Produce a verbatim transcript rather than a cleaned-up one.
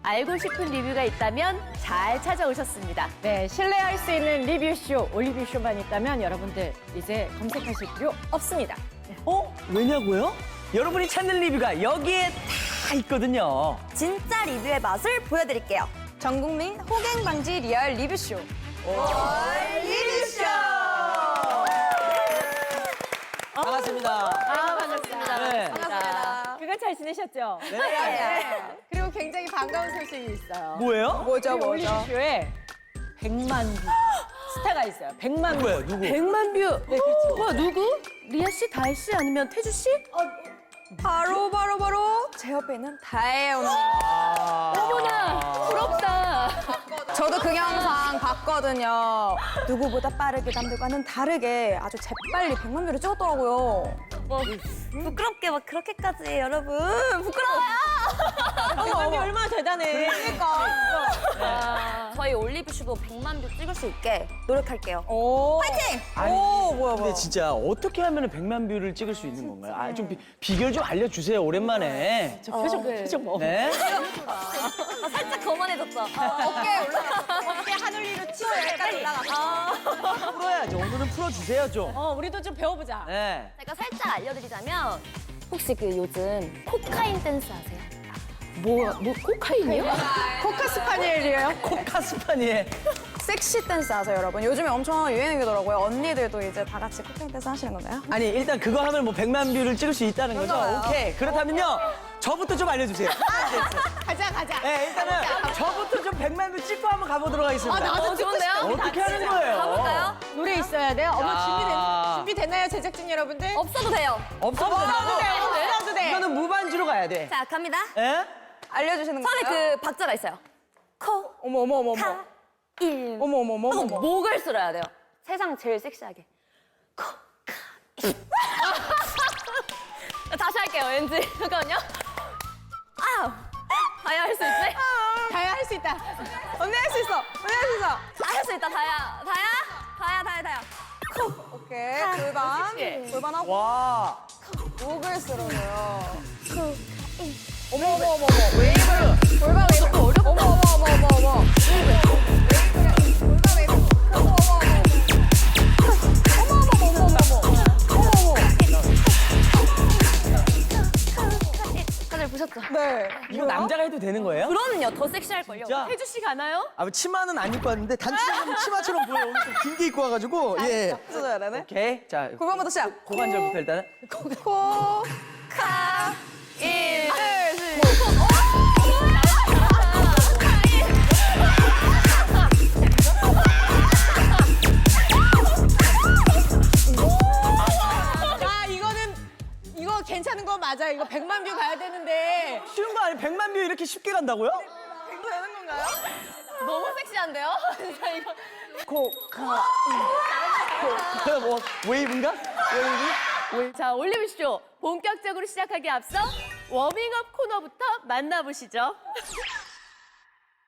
알고 싶은 리뷰가 있다면 잘 찾아오셨습니다. 네, 신뢰할 수 있는 리뷰쇼, 올리뷰쇼만 있다면 여러분들 이제 검색하실 필요 없습니다. 어? 왜냐고요? 여러분이 찾는 리뷰가 여기에 다 있거든요. 진짜 리뷰의 맛을 보여드릴게요. 전국민 호갱 방지 리얼 리뷰쇼. 리뷰쇼! 반갑습니다. 아, 반갑습니다. 네. 반갑습니다. 그간 잘 지내셨죠? 네. 그리고 굉장히 반가운 소식이 있어요. 뭐예요? 뭐죠, 우리 뭐죠? 올리뷰쇼에 백만 뷰 스타가 있어요. 백만 뷰. 누구예요? 누구? 백만 뷰. 네, 그렇죠. 와, 누구? 리아 씨, 다혜 씨 아니면 태주 씨? 바로 바로 바로 제 옆에 있는 다혜요. 아. 어머나, 부럽다. 저도 그 영상 봤거든요. 누구보다 빠르게 남들과는 다르게 아주 재빨리 백만 뷰를 찍었더라고요. 뭐 부끄럽게 막 그렇게까지 여러분 부끄러워요. 백만 뷰 얼마나 대단해. 그러니까 저희 올리브쇼도 백만 뷰 찍을 수 있게 노력할게요. 오. 파이팅! 오, 뭐야, 뭐야. 근데 진짜 어떻게 하면 백만 뷰를 찍을 수 있는 건가요? 아, 좀 비, 비결 좀 알려주세요, 오랜만에. 저 표정, 표정 뭐. 네? 아, 살짝 거만해졌죠. 어깨 올라가. 어깨 하늘위로 치고 약간 올라가. 풀어야죠. 오늘은 풀어주세요, 좀. 어, 우리도 좀 배워보자. 네. 제가 살짝 알려드리자면 혹시 그 요즘 코카인 댄스 아세요? 뭐, 뭐 코카인이요? 코카 스파니엘이에요? 코카스파니에. 섹시 댄스 아세요, 여러분? 요즘에 엄청 유행이더라고요. 언니들도 이제 다 같이 코카인 댄스 하시는 건가요? 아니, 일단 그거 하면 뭐 백만 뷰를 찍을 수 있다는 거죠? 그거요. 오케이. 그렇다면요, 저부터 좀 알려주세요. 가자, 가자. 네, 일단은 저부터 좀 백만 뷰 찍고 한번 가보도록 하겠습니다. 어, 좋은데요? 어떻게 하는 거예요? 가볼까요? 노래 있어야 돼요. 어머, 야. 준비된, 준비됐나요, 제작진 여러분들? 없어도 돼요. 없어도 없어도 돼, 된다고? 없어도 돼. 이거는 무반주로 가야 돼. 자, 갑니다. 예? 알려주시는 처음에 거예요? 그 박자가 있어요. 코, 어머, 어머, 어머, 어머. 카, 일. 어머, 어머, 어머, 하고 어머. 목을 쓸어야 돼요. 세상 제일 섹시하게. 코, 카, 일. 다시 할게요, 왠지. 잠깐만요. 아우. 다야 할 수 있지? 다야 할 수 있다. 언니 할 수 있어. 언니 할 수 있어. 다 할 수 있다, 다야. 다야? 다야, 다야, 다야. 오케이. 골반. 골반하고 와. 목을 쓸어줘요. 어머, 어머, 어머, 어머. 웨이브. 골반 웨이브. 어머, 어머, 어머, 어머, 어머. 웨이브. 골반 웨이브. 어머, 어머, 어머, 어머. 어머, 어머, 어머, 어머, 어머. 어머, 다들 보셨죠? 네. 이거 남자가 해도 되는 거예요? 그럼요, 더 섹시할걸요. 진짜? 태주 씨 가나요? 아, 치마는 안 입고 왔는데 단추는 치마처럼 보여. 오늘 좀 긴 게 입고 와가지고. 예. 써줘야 되네. 오케이. 자, 골반부터 시작. 고관절부터 일단은. 코, 카, 일. 둘, 셋. 야, 이거는, 이거 괜찮은 거 맞아요. 이거 백만 뷰 가야 되는데. 쉬운 거 아니에요? 백만 뷰 이렇게 쉽게 간다고요? 되는 건가요? 너무 섹시한데요? 진짜 이거. 코, 카, 코. 뭐, 웨이브인가? 웨이브? 자, 올리브쇼 본격적으로 시작하기에 앞서 워밍업 코너부터 만나보시죠.